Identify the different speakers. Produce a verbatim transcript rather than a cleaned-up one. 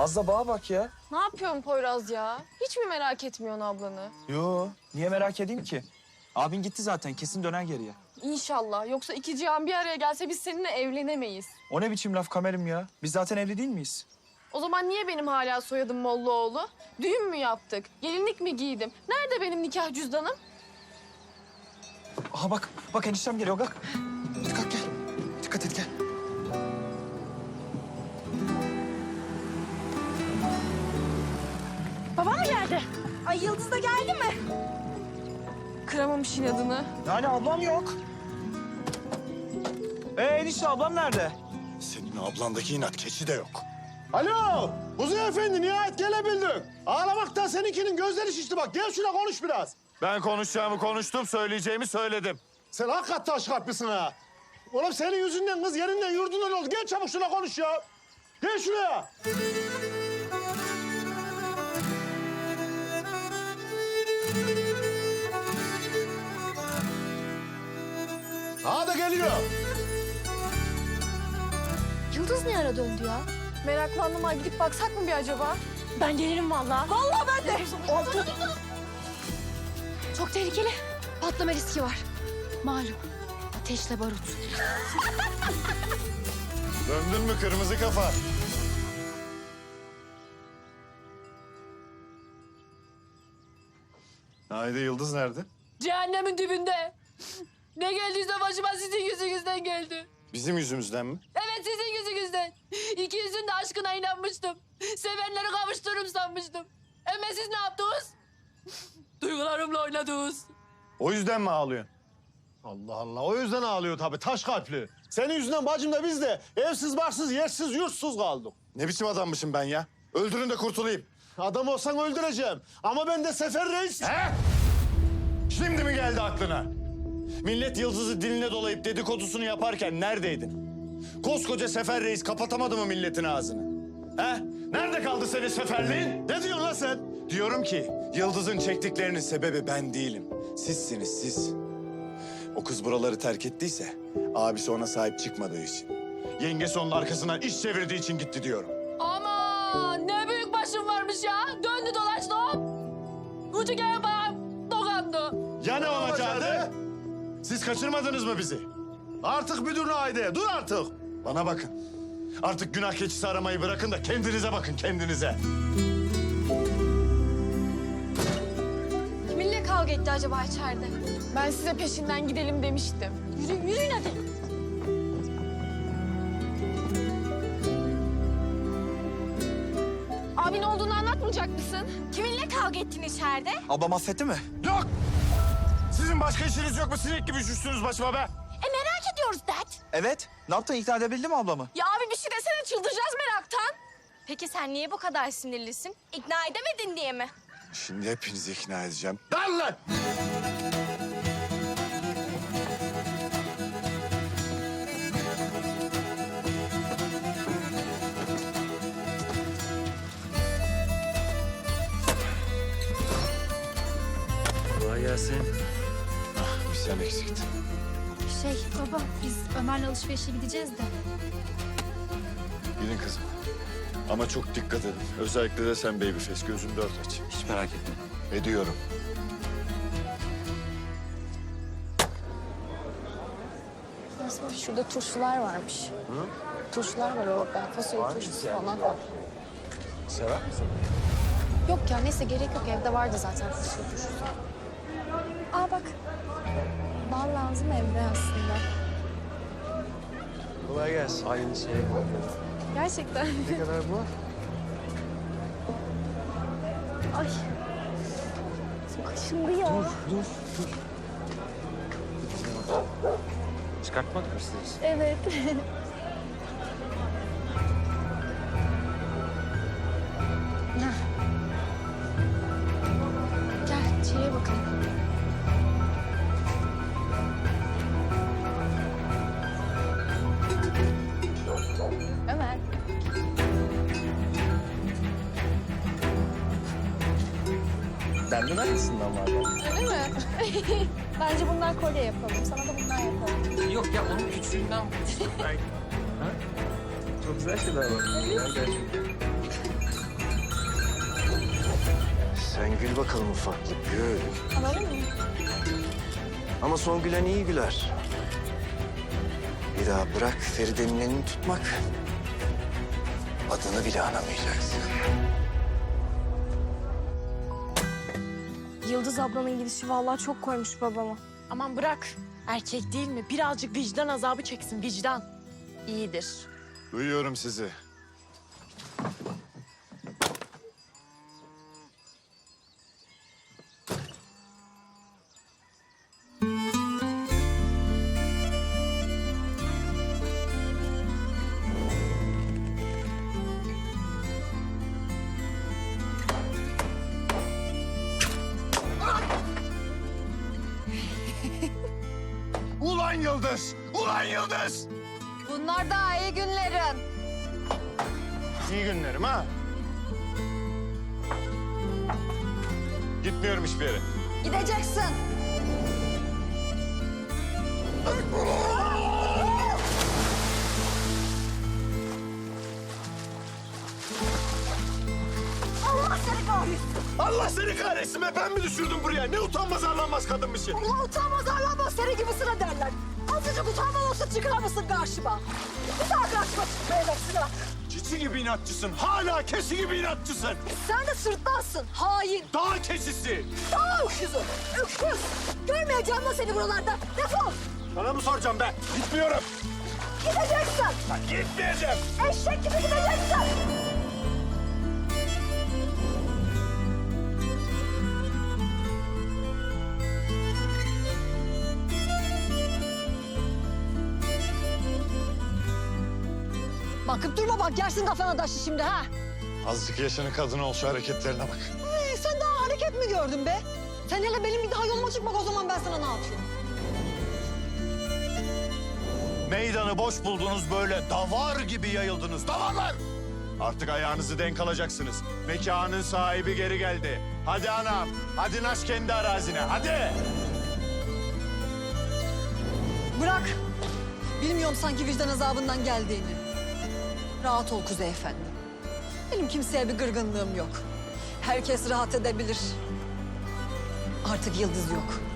Speaker 1: Az da bağa bak ya.
Speaker 2: Ne yapıyorsun Poyraz ya? Hiç mi merak etmiyorsun ablanı?
Speaker 1: Yo, niye merak edeyim ki? Abin gitti zaten, kesin döner geriye.
Speaker 2: İnşallah. Yoksa iki cihan bir araya gelse biz seninle evlenemeyiz.
Speaker 1: O ne biçim laf Kamerim ya? Biz zaten evli değil miyiz?
Speaker 2: O zaman niye benim hala soyadım Mollaoğlu? Düğün mü yaptık? Gelinlik mi giydim? Nerede benim nikah cüzdanım?
Speaker 1: Aha bak, bak eniştem geliyor, kalk. Hadi kalk gel. Dikkat et gel.
Speaker 2: Babam mı geldi? Ay Yıldız da geldi mi? Kıramamış inadını.
Speaker 1: Yani ablam yok. Ee enişte ablam nerede?
Speaker 3: Senin ablandaki inat keçi de yok.
Speaker 4: Alo, Kuzey Efendi nihayet gelebildin. Ağlamaktan seninkinin gözleri şişti bak. Gel şuna konuş biraz.
Speaker 3: Ben konuşacağımı konuştum, söyleyeceğimi söyledim.
Speaker 4: Sen hakikaten taş kalplisin ha. Oğlum senin yüzünden kız yerinden yurdundan oldu. Gel çabuk şuna konuş ya. Gel şuraya. Ha da geliyor.
Speaker 5: Yıldız ne ara döndü ya?
Speaker 2: Meraklandım ha. Gidip baksak mı bir acaba?
Speaker 5: Ben gelirim vallahi.
Speaker 2: Vallahi ben de.
Speaker 5: Çok tehlikeli. Patlama riski var. Malum. Ateşle barut.
Speaker 3: Döndün mü kırmızı kafa? Haydi Yıldız nerede?
Speaker 2: Cehennemin dibinde. Ne geldiyse başıma sizin yüzünüzden geldi.
Speaker 3: Bizim yüzümüzden mi?
Speaker 2: Evet sizin yüzünüzden. İkinizin de aşkına inanmıştım. Sevenleri kavuştururum sanmıştım. Ama siz ne yaptınız? Duygularımla oynadınız.
Speaker 3: O yüzden mi ağlıyorsun?
Speaker 4: Allah Allah. O yüzden ağlıyor tabii. Taş kalpli. Senin yüzünden bacım da biz de evsiz, barsız, yersiz, yurtsuz kaldık.
Speaker 3: Ne biçim adammışım ben ya? Öldürün de kurtulayım.
Speaker 4: Adam olsan öldüreceğim. Ama ben de Sefer Reis...
Speaker 3: He? Şimdi mi geldi aklına? Millet Yıldız'ı diline dolayıp dedikodusunu yaparken neredeydin? Koskoca Sefer Reis kapatamadı mı milletin ağzını? He? Nerede kaldı senin seferliğin?
Speaker 4: Ne diyorsun lan sen?
Speaker 3: Diyorum ki Yıldız'ın çektiklerinin sebebi ben değilim. Sizsiniz siz. O kız buraları terk ettiyse abisi ona sahip çıkmadığı için. Yengesi onun arkasından iş çevirdiği için gitti diyorum.
Speaker 2: Aman ne büyük başım varmış ya. Döndü dolaştı hop. Ucu gene bana dokandı.
Speaker 3: Ya ne olacaktı? Siz kaçırmadınız mı bizi?
Speaker 4: Artık müdürlüğe haydi. Dur artık.
Speaker 3: Bana bakın. Artık günah keçisi aramayı bırakın da kendinize bakın kendinize.
Speaker 5: Kiminle kavga etti acaba içeride?
Speaker 2: Ben size peşinden gidelim demiştim.
Speaker 5: Yürü, yürüyün hadi.
Speaker 2: Abin olduğunu anlatmayacak mısın?
Speaker 5: Kiminle kavga ettin içeride?
Speaker 1: Ablam affetti mi?
Speaker 3: Yok! Sizin başka işiniz yok mu? Sinek gibi üşüştünüz başıma be.
Speaker 5: E merak ediyoruz dert.
Speaker 1: Evet. Ne yaptın, ikna edebildin mi ablamı?
Speaker 2: Ya abi bir şey desene çıldıracağız meraktan.
Speaker 5: Peki sen niye bu kadar sinirlisin? İkna edemedin diye mi?
Speaker 3: Şimdi hepinizi ikna edeceğim. Lan lan!
Speaker 1: Kolay gelsin.
Speaker 3: Bir sen eksiktin.
Speaker 5: Şey baba biz Ömer'le alışverişe gideceğiz de.
Speaker 3: Gidin kızım. Ama çok dikkat edin. Özellikle de sen babyface. Gözünü dört aç.
Speaker 1: Hiç merak etme.
Speaker 3: Ediyorum.
Speaker 2: Şurada turşular varmış. Hı? Turşular var orada. Fasulye turşusu falan var.
Speaker 1: Sever misin?
Speaker 5: Yok ya neyse gerek yok evde vardı zaten fasulye turşusu. Aa bak. Bal lazım evde aslında.
Speaker 1: Kolay gelsin. Aynı şey.
Speaker 5: Gerçekten.
Speaker 1: Ne kadar bu?
Speaker 5: Ay. Kaşındı ya.
Speaker 1: Dur, dur, dur. Çıkartmak mı istiyorsun?
Speaker 5: Evet. Gel içeriye bakalım. Ömer.
Speaker 1: Benden aynısından var.
Speaker 2: Öyle mi?
Speaker 5: Bence bundan kolye yapalım. Sana da bundan yapalım.
Speaker 1: Yok ya, onun küçüğünden. Belki. Ha? Çok güzel şeyler var. Gel, gel.
Speaker 6: Sen gül bakalım ufaklık, gül.
Speaker 5: Alalım mı?
Speaker 6: Ama son gülen iyi güler. Bir daha bırak Feride'nin elini tutmak. Adını bile anamayacaksın.
Speaker 5: Yıldız ablanın gidişi vallahi çok koymuş babama.
Speaker 2: Aman bırak. Erkek değil mi? Birazcık vicdan azabı çeksin, vicdan. İyidir.
Speaker 3: Duyuyorum sizi. Ulan Yıldız! Ulan Yıldız!
Speaker 5: Bunlar da iyi günlerim.
Speaker 3: İyi günlerim ha. Gitmiyorum hiçbir yere.
Speaker 5: Gideceksin. Allah seni kahretsin.
Speaker 4: Allah seni kahretsin be, ben mi düşürdüm buraya? Ne utanmaz arlanmaz kadınmışsın.
Speaker 5: Ulan utanmaz arlanmaz seni gibisine derler. Azıcık utanma olsa çıkar mısın karşıma? Bir daha karşıma çıkmayacaksın ha.
Speaker 4: Çiçi gibi inatçısın, hala keçi gibi inatçısın.
Speaker 5: Sen de sırtlansın, hain.
Speaker 4: Dağ keçisi.
Speaker 5: Daha öküzü, öküz. Görmeyeceğim lan seni buralarda. Defol.
Speaker 4: Sana mı soracağım be? Gitmiyorum.
Speaker 5: Gideceksin.
Speaker 4: Ben gitmeyeceğim.
Speaker 5: Eşek gibi gideceksin. Bakıp durma bak, yersin kafana taşı şimdi ha.
Speaker 3: Azıcık yaşının kadını ol, şu hareketlerine bak.
Speaker 7: Ee, sen daha hareket mi gördün be? Sen hele benim bir daha yoluma çıkmak, o zaman ben sana ne yapayım?
Speaker 3: Meydanı boş buldunuz, böyle davar gibi yayıldınız. Davarlar! Artık ayağınızı denk alacaksınız. Mekanın sahibi geri geldi. Hadi anam, hadi naş kendi arazine, hadi!
Speaker 7: Bırak. Bilmiyorum sanki vicdan azabından geldiğini. Rahat ol Kuzey Efendi. Benim kimseye bir gırgınlığım yok. Herkes rahat edebilir. Artık Yıldız yok.